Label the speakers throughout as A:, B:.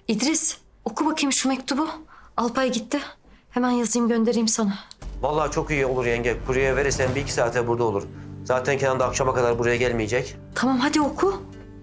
A: İdris, oku bakayım şu mektubu. Alpay gitti. Hemen yazayım göndereyim sana.
B: Vallahi çok iyi olur yenge. Kurye verirsen 1-2 saate burada olur. Zaten Kenan da akşama kadar buraya gelmeyecek.
A: Tamam hadi oku.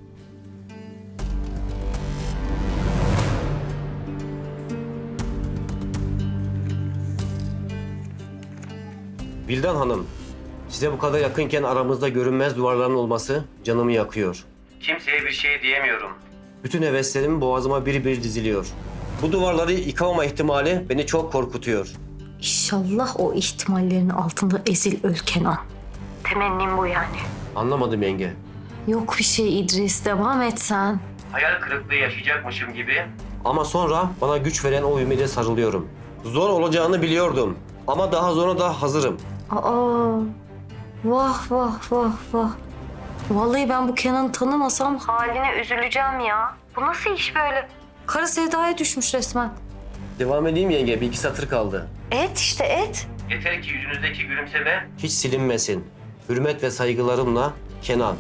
B: Vildan Hanım, size bu kadar yakınken aramızda görünmez duvarların olması canımı yakıyor. Kimseye bir şey diyemiyorum. Bütün heveslerim boğazıma bir bir diziliyor. Bu duvarları yıkamama ihtimali beni çok korkutuyor.
A: İnşallah o ihtimallerin altında ezil öl Kenan. Temennim bu yani.
B: Anlamadım yenge.
A: Yok bir şey İdris, devam et sen.
B: Hayal kırıklığı yaşayacakmışım gibi. Ama sonra bana güç veren o ümide sarılıyorum. Zor olacağını biliyordum. Ama daha zora da hazırım.
A: Aa, vah vah vah vah. Vallahi ben bu Kenan'ı tanımasam haline üzüleceğim ya. Bu nasıl iş böyle? Kara sevdaya düşmüş resmen.
B: Devam edeyim yenge, 1-2 satır kaldı.
A: Et işte et.
B: Yeter ki yüzünüzdeki gülümseme hiç silinmesin. Hürmet ve saygılarımla Kenan.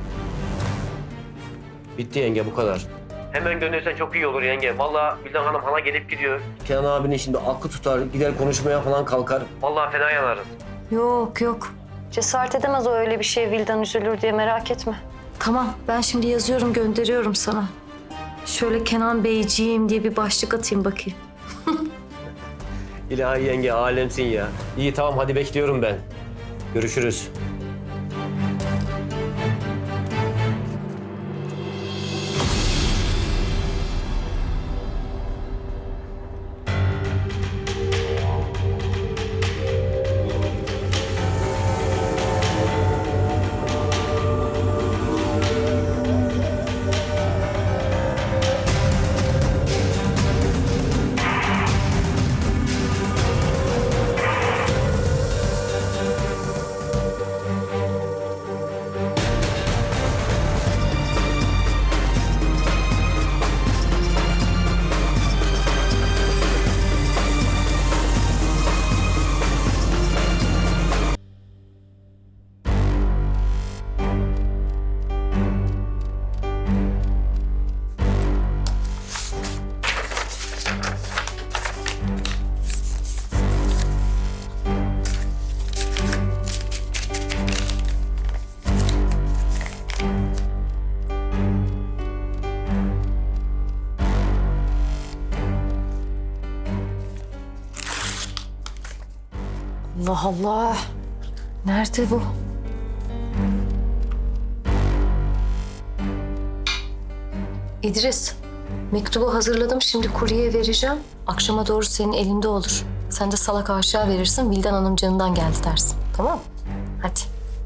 B: Bitti yenge, bu kadar. Hemen göndersen çok iyi olur yenge. Vallahi Vildan Hanım hala gelip gidiyor. Kenan abinin şimdi aklı tutar, gider konuşmaya falan kalkar. Vallahi fena yanarız.
A: Yok yok. Cesaret edemez o öyle bir şeye, Vildan üzülür diye, merak etme. Tamam, ben şimdi yazıyorum gönderiyorum sana. Şöyle Kenan Beyciğim diye bir başlık atayım bakayım.
B: İlahi yenge, alemsin ya. İyi tamam, hadi bekliyorum ben. Görüşürüz.
A: Allah Allah. Nerede bu? İdris, mektubu hazırladım. Şimdi kuryeye vereceğim. Akşama doğru senin elinde olur. Sen de salak aşağı verirsin. Vildan Hanım canından geldi dersin. Tamam mı? Hadi.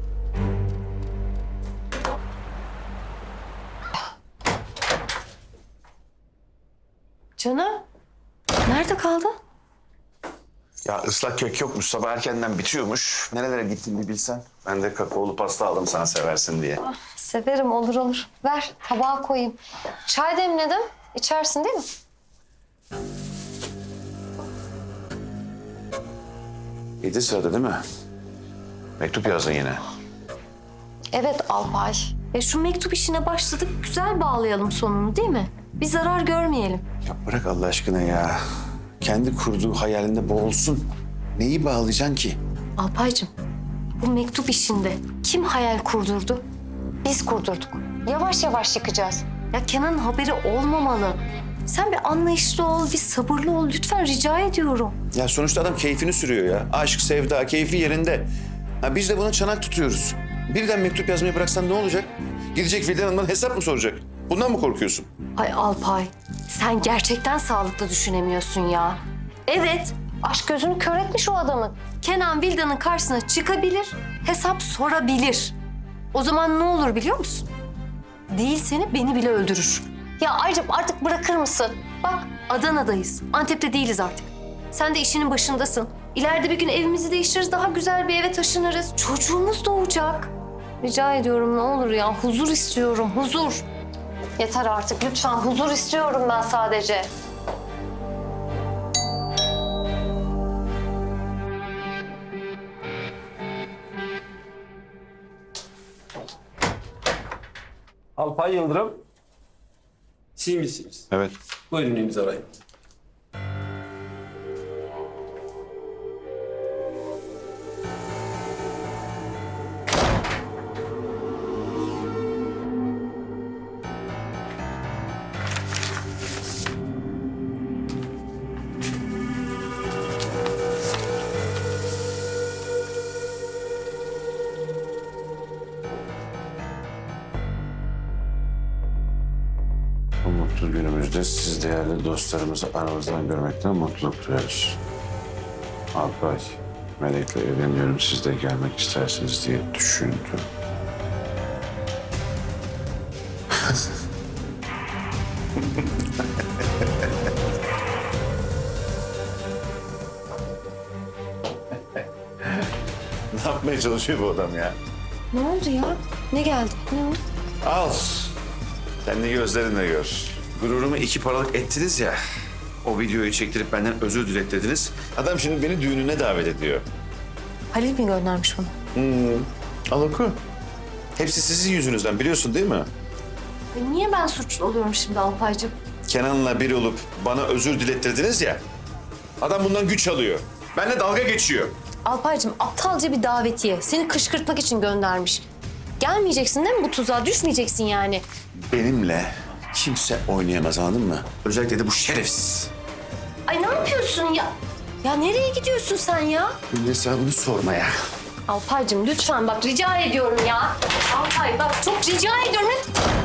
A: Canım, nerede kaldın?
C: Ya ıslak kök yokmuş. Sabah erkenden bitiyormuş. Nerelere gittin bir bilsen. Ben de kakaolu pasta aldım sana seversin diye.
A: Severim, olur olur. Ver, tabağa koyayım. Çay demledim. İçersin değil mi?
C: Yedi sırada değil mi? Mektup yazdın yine.
A: Evet Alpay. Şu mektup işine başladık. Güzel bağlayalım sonunu değil mi? Bir zarar görmeyelim.
C: Ya bırak Allah aşkına ya. Kendi kurduğu hayalinde boğulsun. Neyi bağlayacaksın ki?
A: Alpaycığım, bu mektup işinde kim hayal kurdurdu? Biz kurdurduk. Yavaş yavaş yıkacağız. Ya Kenan'ın haberi olmamalı. Sen bir anlayışlı ol, bir sabırlı ol. Lütfen rica ediyorum.
C: Ya sonuçta adam keyfini sürüyor ya. Aşk, sevda, keyfi yerinde. Ha biz de buna çanak tutuyoruz. Birden mektup yazmayı bıraksan ne olacak? Gidecek Vildan Hanım'dan hesap mı soracak? Bundan mı korkuyorsun?
A: Ay Alpay, sen gerçekten sağlıklı düşünemiyorsun ya. Evet, aşk gözünü kör etmiş o adamın. Kenan Vildan'ın karşısına çıkabilir, hesap sorabilir. O zaman ne olur biliyor musun? Değil seni, beni bile öldürür. Ya ayrıca artık bırakır mısın? Bak Adana'dayız, Antep'te değiliz artık. Sen de işinin başındasın. İleride bir gün evimizi değiştiririz, daha güzel bir eve taşınırız. Çocuğumuz doğacak. Rica ediyorum ne olur ya, huzur istiyorum, huzur. Yeter artık lütfen, huzur istiyorum ben sadece.
B: Alpay Yıldırım.
D: Siz misiniz?
C: Evet.
D: Buyurun imzalayın.
C: Bu mutlu günümüzde siz değerli dostlarımızı aramızdan görmekten mutluluk duyarız. Alpay, Melek'le evleniyorum, siz de gelmek istersiniz diye düşündüm. Ne yapmaya çalışıyor bu adam ya?
A: Ne oldu ya? Ne geldi? Ne oldu?
C: Al. Kendi gözlerinle gör. Gururumu 2 paralık ettiniz ya. O videoyu çektirip benden özür dilettirdiniz. Adam şimdi beni düğününe davet ediyor.
A: Halil mi göndermiş bunu?
C: Al oku. Hepsi sizin yüzünüzden, biliyorsun değil mi?
A: Niye ben suçlu oluyorum şimdi Alpaycığım?
C: Kenan'la bir olup bana özür dilettirdiniz ya. Adam bundan güç alıyor. Benimle dalga geçiyor.
A: Alpaycığım aptalca bir davetiye. Seni kışkırtmak için göndermiş. Gelmeyeceksin değil mi bu tuzağa? Düşmeyeceksin yani.
C: Benimle kimse oynayamaz, anladın mı? Özellikle de bu şerefsiz.
A: Ay ne yapıyorsun ya? Ya nereye gidiyorsun sen ya?
C: Bunun hesabını sormaya.
A: Alpaycığım lütfen bak rica ediyorum ya. Alpay bak çok rica ediyorum.